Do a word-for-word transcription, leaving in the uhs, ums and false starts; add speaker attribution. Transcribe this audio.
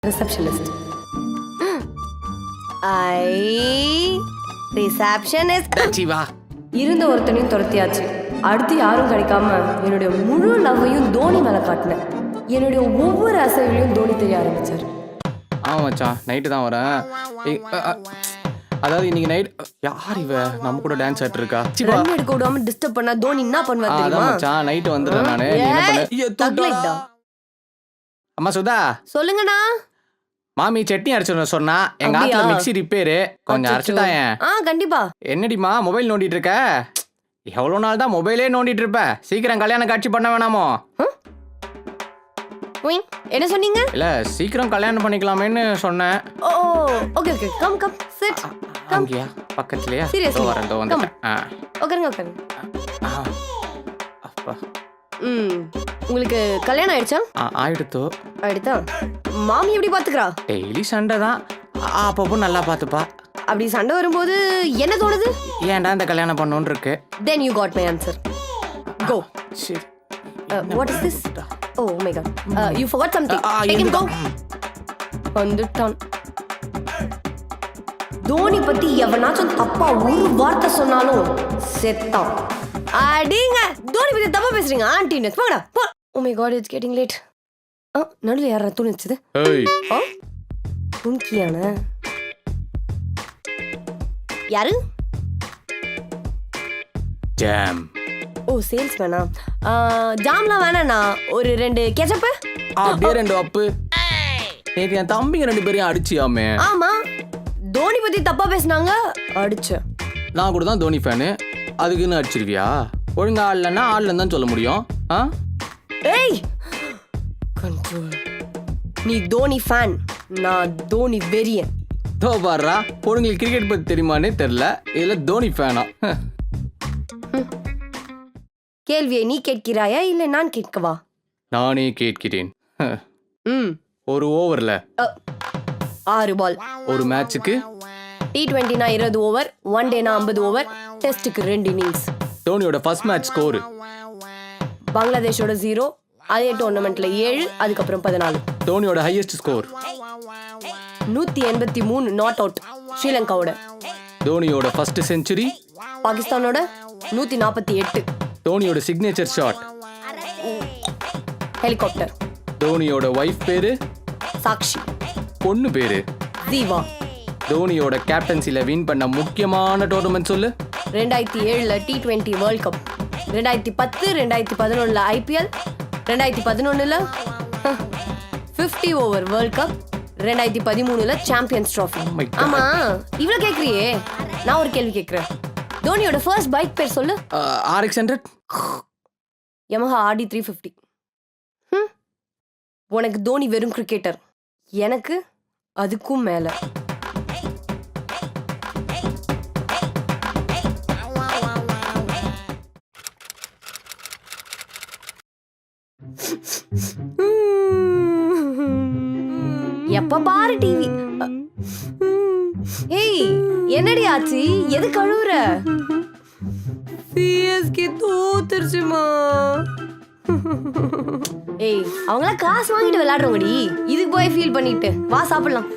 Speaker 1: Receptionist. I receptionist.
Speaker 2: Jeeva
Speaker 1: இருந்த ஒருத்தனையும் துரத்தியாச்சு. அடுத்து யாரும் கிடைக்காம என்னுடைய முழு லவ்வையும் தோனி மேல காட்டினேன். என்னுடைய ஒவ்வொரு அசைவிலையும் தோனி தெரிய ஆரம்பிச்சார்.
Speaker 2: ஆமாம் மச்சான், நைட்டு தான் வரேன். ஏய், அ, அ, அதாவது இன்னைக்கு நைட் யார் இவ நம்ம கூட டான்ஸ் ஆட்டு இருக்கா? சிவா
Speaker 1: ரன் எடுக்க விடாம டிஸ்டர்ப் பண்ணா தோனி என்ன பண்ணுவார்
Speaker 2: அதான்
Speaker 1: தெரியுமா?
Speaker 2: மச்சான், நைட்டு வந்துடுறேன் நானு. நீ என்ன பண்ணு? ஐயோ, தூக்கிட்டா. அம்மா சுதா,
Speaker 1: சொல்லுங்கண்ணா.
Speaker 2: மாமி சட்னி அரைச்சு சொன்னா எங்க
Speaker 1: அப்படியா?
Speaker 2: ஆத்துல மிக்ஸி ரிப்பேரு, கொஞ்சம் அரைச்சுதாயேன்.
Speaker 1: ஆ கண்டிப்பா.
Speaker 2: என்னடிமா மொபைல் நோண்டிட்டு இருக்க? எவ்வளவு நாள் தான் மொபைலே நோண்டிட்டு இருப்ப? சீக்கிரம் கல்யாணம் காட்சி பண்ண வேணாமோ?
Speaker 1: உய், என்ன சொன்னீங்க?
Speaker 2: இல்ல சீக்கிரம் கல்யாணம் பண்ணிக்கலாமேன்னு சொன்னேன்.
Speaker 1: Oh okay okay come come sit come.
Speaker 2: அங்கயா பக்கத்துலயா?
Speaker 1: Seriously?
Speaker 2: இதோ வரேன், இதோ வந்துட்டேன். ஆ.
Speaker 1: உட்காருங்க உட்காருங்க.
Speaker 2: ஆ. அப்பா.
Speaker 1: ம் உங்களுக்கு கல்யாணம் ஆயிடுச்சா?
Speaker 2: ஆ, ஆயிடுத்தோ.
Speaker 1: ஆயிடுதா? மாமி எப்படி பாத்துக்கிறா?
Speaker 2: டெய்லி சண்டை தான். அப்பப்போ நல்லா பார்த்துப்பா.
Speaker 1: அப்படி சண்டை வரும்போது என்ன தோணுது?
Speaker 2: ஏன்டா இந்த கல்யாணம் பண்ணணும்னு இருக்கு.
Speaker 1: Then you got my answer. Go.
Speaker 2: சரி.
Speaker 1: Uh, what is this? Oh my god. Uh, you forgot something.
Speaker 2: Ah,
Speaker 1: Take him go.
Speaker 2: இருந்துட்டா.
Speaker 1: வந்துட்டான். தோனி பத்தி எவனாச்சும் தப்பா ஒரு வார்த்தை சொன்னாலும் செத்தான். அடிங்க. தோனி பத்தி தப்பா பேசுறீங்க ஆண்டினஸ். போங்கடா. போ. Oh my god, it's getting late. ஆ நடுவுல யாரா தூணிச்சது?
Speaker 2: ஏய்,
Speaker 1: ஆ துன்கியான யாரு?
Speaker 2: ஜாம்.
Speaker 1: ஓ சேல்ஸ் வேணா. ஜாம்லாம் வேணாண்ணா. ஒரு ரெண்டு கெச்சப்பு.
Speaker 2: அப்படியே ரெண்டு அப்பு. நேத்து என் தம்பிங்க ரெண்டு பேரையும் அடிச்சியாமே.
Speaker 1: ஆமா தோனி பத்தி தப்பா பேசினாங்க அடிச்ச.
Speaker 2: நான் கூட தான் தோனி ஃபேனு, அதுக்குன்னு அடிச்சிருவியா? ஒழுங்கா ஆடலன்னா ஆடலன்னு தான் சொல்ல முடியும். ஆ?
Speaker 1: ஏய் கண்ட்ரோல். நீ தோனி ஃபேன், நான் தோனி வெறியன்.
Speaker 2: தோ பாடுறா, பொண்ணுங்களுக்கு கிரிக்கெட் பத்தி தெரியுமானே தெரியல, இதுல தோனி ஃபேனா?
Speaker 1: கேள்வியை நீ கேட்கிறாயா இல்ல நான் கேட்கவா?
Speaker 2: நானே கேட்கிறேன்.
Speaker 1: ம்
Speaker 2: ஒரு ஓவர்ல
Speaker 1: அ, ஆறு பால்.
Speaker 2: ஒரு மேட்சுக்கு
Speaker 1: டி டுவெண்ட்டினா இருபது ஓவர், ஒன் டேனா ஐம்பது ஓவர், டெஸ்ட்டுக்கு ரெண்டு இன்னிங்ஸ்.
Speaker 2: தோனியோட ஃபர்ஸ்ட் மேட்ச் ஸ்கோர்
Speaker 1: பங்களாதேஷோட ஜீரோ, அதே டோர்னமெண்ட்ல ஏழு, அதுக்கப்புறம் பதினாலு.
Speaker 2: தோனியோட ஹையஸ்ட் ஸ்கோர்
Speaker 1: நூத்தி எண்பத்தி மூணு நாட் அவுட் ஸ்ரீலங்காவோட.
Speaker 2: தோனியோட ஃபர்ஸ்ட் செஞ்சுரி
Speaker 1: பாகிஸ்தானோட நூத்தி நாற்பத்தி எட்டு.
Speaker 2: தோனியோட சிக்னேச்சர் ஷாட்
Speaker 1: ஹெலிகாப்டர்.
Speaker 2: தோனியோட ஒய்ஃப் பேரு
Speaker 1: சாக்ஷி.
Speaker 2: பொண்ணு பேரு
Speaker 1: ஜீவா.
Speaker 2: தோனியோட கேப்டன்சில வின் பண்ண முக்கியமான டோர்னமெண்ட் சொல்லு.
Speaker 1: ரெண்டாயிரத்தி ஏழுல டி டுவெண்ட்டி வேர்ல்ட் கப், ரெண்டாயிரத்தி பத்து ரெண்டாயிரத்தி பதினொன்னுல ஐபிஎல், ரெண்டாயிரத்தி பதினொன்னுல பிப்டி ஓவர் வேர்ல்ட் கப், ரெண்டாயிரத்தி பதிமூணுல சாம்பியன்ஸ் ட்ராஃபி.
Speaker 2: my God.
Speaker 1: ஆமா இவ்வளவு கேக்குறியே, நான் ஒரு கேள்வி கேக்குறேன். தோனியோட ஃபர்ஸ்ட் பைக் பேர் சொல்லு.
Speaker 2: RX hundred.
Speaker 1: Yamaha RD three fifty. உனக்கு தோனி வெறும் கிரிக்கெட்டர், எனக்கு அதுக்கும் மேல. எப்ப பாரு டிவி. ஏய் என்னடி ஆச்சு? எது கழுவுற? சிஎஸ்கே தோத்துருச்சுமா. ஏய் அவங்களாம் காசு வாங்கிட்டு விளையாடுறவங்கடி, இதுக்கு போய் ஃபீல் பண்ணிட்டு வா சாப்பிடலாம்.